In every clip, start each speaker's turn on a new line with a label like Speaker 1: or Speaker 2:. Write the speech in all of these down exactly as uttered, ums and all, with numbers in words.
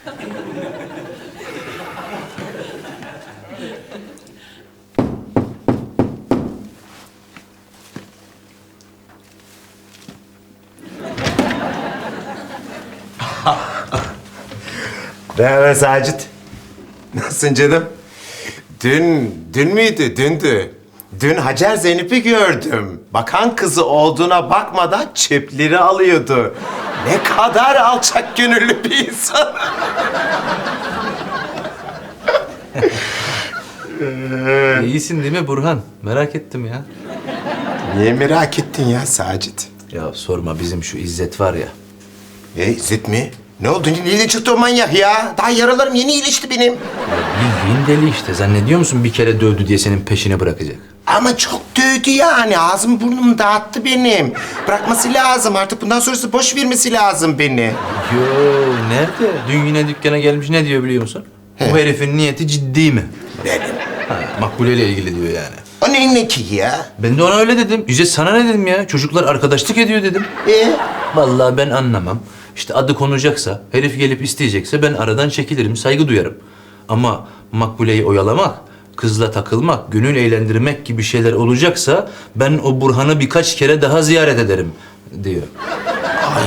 Speaker 1: Merhaba Sacit. Nasılsın canım? Dün, dün müydü? Dündü. Dün Hacer Zeynep'i gördüm. Bakan kızı olduğuna bakmadan çöpleri alıyordu. Ne kadar alçak gönüllü bir insan.
Speaker 2: İyisin değil mi Burhan? Merak ettim ya.
Speaker 1: Niye merak ettin ya Sacit?
Speaker 2: Ya sorma, bizim şu İzzet var ya.
Speaker 1: E İzzet mi? Ne oldu? Nereden çıktı o manyak ya? Daha yaralarım yeni iyileşti benim.
Speaker 2: Ya bildiğin deli işte. Zannediyor musun bir kere dövdü diye senin peşine bırakacak?
Speaker 1: Ama çok dövdü yani. Ağzımı burnumu dağıttı benim. Bırakması lazım. Artık bundan sonrası boş vermesi lazım beni.
Speaker 2: Yo, nerede? Dün yine dükkana gelmiş, ne diyor biliyor musun?
Speaker 1: He.
Speaker 2: Bu herifin niyeti ciddi mi?
Speaker 1: Benim.
Speaker 2: Ha, Makbule ile ilgili diyor yani.
Speaker 1: O neyin ne ki ya?
Speaker 2: Ben de ona öyle dedim. İzzet sana ne dedim ya? Çocuklar arkadaşlık ediyor dedim.
Speaker 1: E?
Speaker 2: Vallahi ben anlamam. İşte adı konacaksa, herif gelip isteyecekse ben aradan çekilirim, saygı duyarım. Ama Makbule'yi oyalamak, kızla takılmak, gönül eğlendirmek gibi şeyler olacaksa ben o Burhan'ı birkaç kere daha ziyaret ederim diyor.
Speaker 1: Ay.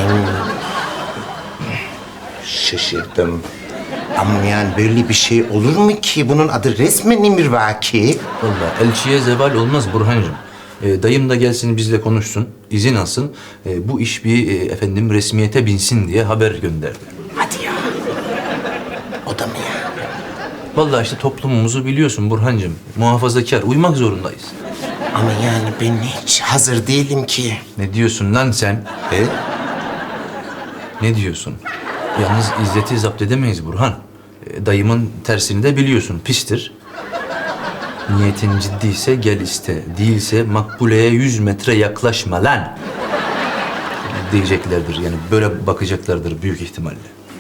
Speaker 1: Şaşırdım. Ama yani böyle bir şey olur mu ki? Bunun adı resmen emirvaki.
Speaker 2: Vallahi elçiye zeval olmaz Burhan'cığım. Ee, dayım da gelsin bizle konuşsun, izin alsın. Ee, bu iş bir e, efendim resmiyete binsin diye haber gönderdi.
Speaker 1: Hadi ya. O da mı ya?
Speaker 2: Vallahi işte toplumumuzu biliyorsun Burhan'cığım. Muhafazakar, uymak zorundayız.
Speaker 1: Ama yani ben hiç hazır değilim ki.
Speaker 2: Ne diyorsun lan sen?
Speaker 1: E?
Speaker 2: Ne diyorsun? Yalnız İzzet'i zapt edemeyiz Burhan. E, dayımın tersini de biliyorsun, pistir. Niyetin ciddiyse gel iste, değilse Makbule'ye yüz metre yaklaşma lan diyeceklerdir. Yani böyle bakacaklardır büyük ihtimalle.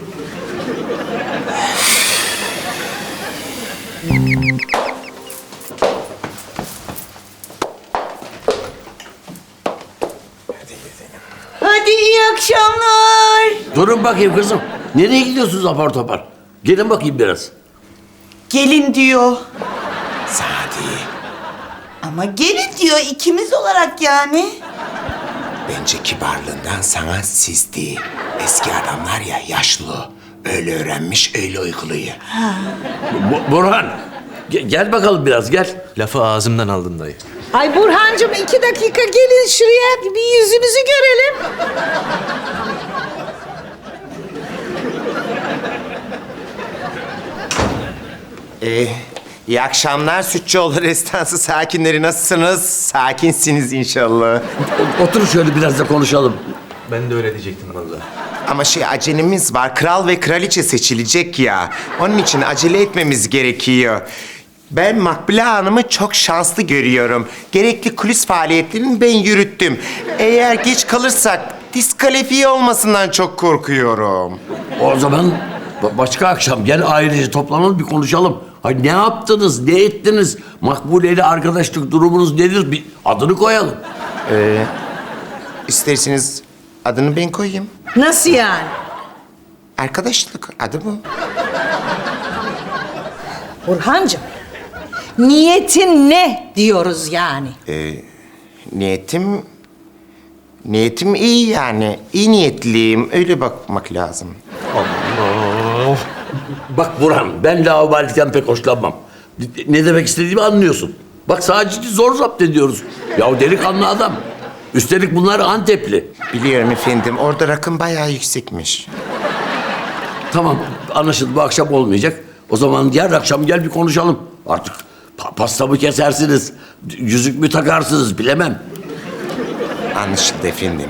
Speaker 3: Hadi iyi akşamlar.
Speaker 4: Durun bakayım kızım. Nereye gidiyorsunuz apar topar? Gelin bakayım biraz.
Speaker 3: Gelin diyor.
Speaker 1: Sadi.
Speaker 3: Ama gelin diyor ikimiz olarak yani.
Speaker 1: Bence kibarlığından sana siz değil. Eski adamlar ya yaşlı. Öyle öğrenmiş, öyle uyguluyor.
Speaker 4: Bu- Burhan, ge- gel bakalım biraz gel.
Speaker 2: Lafı ağzımdan aldın dayı.
Speaker 5: Ay Burhancığım iki dakika gelin şuraya bir yüzünüzü görelim.
Speaker 1: Ee, iyi akşamlar Sütçüoğlu Restansı sakinleri. Nasılsınız? Sakinsiniz inşallah.
Speaker 4: O- otur şöyle biraz da konuşalım.
Speaker 2: Ben de öyle diyecektim vallahi.
Speaker 1: Ama şey acelemiz var. Kral ve kraliçe seçilecek ya. Onun için acele etmemiz gerekiyor. Ben Makbule Hanım'ı çok şanslı görüyorum. Gerekli kulis faaliyetlerini ben yürüttüm. Eğer geç kalırsak diskalifiye olmasından çok korkuyorum.
Speaker 4: O zaman ba- başka akşam gel ailece toplanalım bir konuşalım. Hay ne yaptınız, ne ettiniz? Makbule ile arkadaşlık durumunuz nedir? Bir adını koyalım.
Speaker 1: İsterseniz adını ben koyayım.
Speaker 5: Nasıl yani?
Speaker 1: Arkadaşlık adı bu.
Speaker 5: Burhancığım niyetin ne diyoruz yani?
Speaker 1: Niyetim... Niyetim iyi yani. İyi niyetliyim. Öyle bakmak lazım.
Speaker 4: Bak Burhan, ben laubalilikten pek hoşlanmam. Ne demek istediğimi anlıyorsun. Bak Sacit'i zor zapt ediyoruz. Ya delikanlı adam. Üstelik bunlar Antepli.
Speaker 1: Biliyorum efendim. Orada rakım bayağı yüksekmiş.
Speaker 4: Tamam, anlaşıldı. Bu akşam olmayacak. O zaman diğer akşam gel bir konuşalım. Artık pa- pasta mı kesersiniz, yüzük mü takarsınız bilemem.
Speaker 1: Anlaşıldı efendim.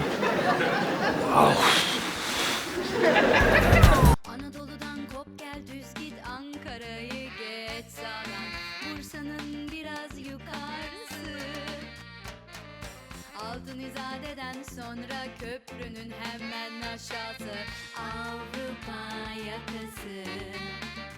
Speaker 6: Anadolu'dan kop gel düz git Ankara'yı geç sağdan Bursa'nın biraz yukarısı Altın İzade'den sonra köprünün hemen aşağısı Avrupa yakası